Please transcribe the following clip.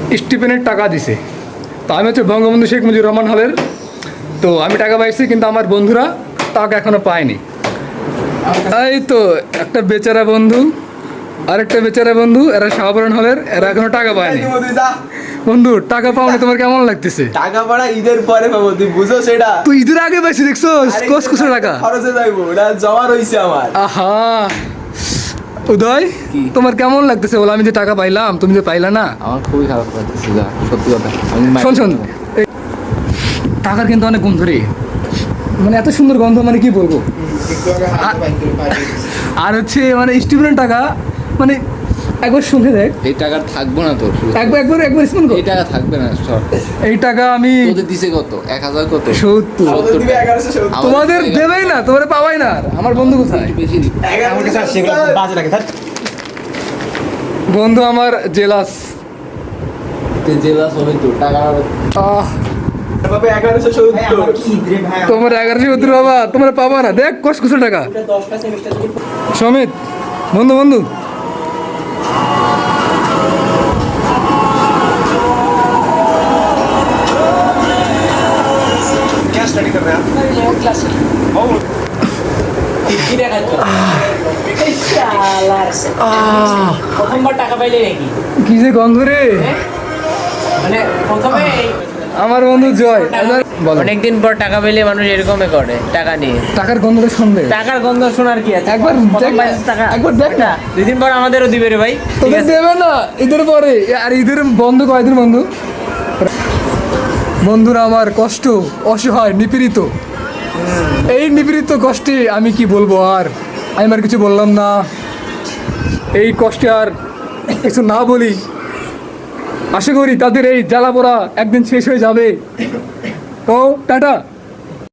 স্টিপেনের টাকা দিছে। তো আমি হচ্ছে বঙ্গবন্ধু শেখ মুজিবুর রহমান হলের, তো আমি টাকা পাইছি, কিন্তু আমার বন্ধুরা টাকা এখনও পায়নি। এই তো একটা বেচারা বন্ধু, আরেকটা বেচারা বন্ধু, এরা শাহপুরান হলের, এরা এখনো টাকা পায়নি। বন্ধু টাকা পাওনি, তোমার কেমন লাগতেছে? টাকা পাড়া ঈদের পরে পাবো, তুই বুঝো সেটা। তুই ঈদের আগে পাইছি, দেখছো কস টাকা খরচে যাইবো, ওটা জমা রইছে আমার। আহা উদয়, তোমার কেমন লাগতেছে বলো? আমি যে টাকা পাইলাম, তুমি যে পাইলা না। আমার খুবই খারাপ লাগতেছে, যা সত্যি কথা। শোন শোন, টাকার কিন্তু অনেক গন্ধ রে, মানে এত সুন্দর গন্ধ, মানে কি বলবো। আর হচ্ছে মানে স্টুডেন্ট টাকা, মানে একবার শুনে দেখ, এই টাকা থাকবো না তোর। একবার স্মরণ কর, এই টাকা থাকবে না সব। এই টাকা আমি তোদের দিছে কত? 1000 কত? 70। আমাদের দিবে 1170। তোমাদের দেবেই না, তোমরা পাবাই না। আর আমার বন্ধু কোথায়? বেশি দিবি। আমার কাছে আর সেগুলো বাজে লাগে। বন্ধু আমার জেলাস। তুই জেলাস হবে তো টাকা। বাবা 1170। তোমার 1170 বাবা, তোমরা পাবা না। দেখ কষ্ট টাকা। সমিত বন্ধু বন্ধু, क्या स्टडी कर रहे हैं প্রথমবার টাকা পাইলে নাকি কি যে গন্ধ রে। মানে প্রথমে আমার বন্ধু জয়, বলো। অনেকদিন পর টাকা পেলে মানুষ এরকমই করে, টাকা নিয়ে। টাকার গন্ধটা শুনবে, টাকার গন্ধ শোনার কি আছে? একবার প্রথম দেখ না, পাইছিস টাকা, একবার দেখ না। 2 দিন পর আমাদেরও দিবে রে ভাই, ঠিক তোদের আছে? দেবে না ঈদের পরে। আর ঈদের বন্ধু কয়দিন বন্ধু? বন্ধুরা আমার কষ্ট, অসহায়, নিপীড়িত। এই নিপীড়িত কষ্টে আমি কি বলবো আর, আমি আর কিছু বললাম না। এই কষ্টে আর কিছু না বলি। আশা করি তাদের এই জ্বালা পোড়া একদিন শেষ হয়ে যাবে। তো টাটা।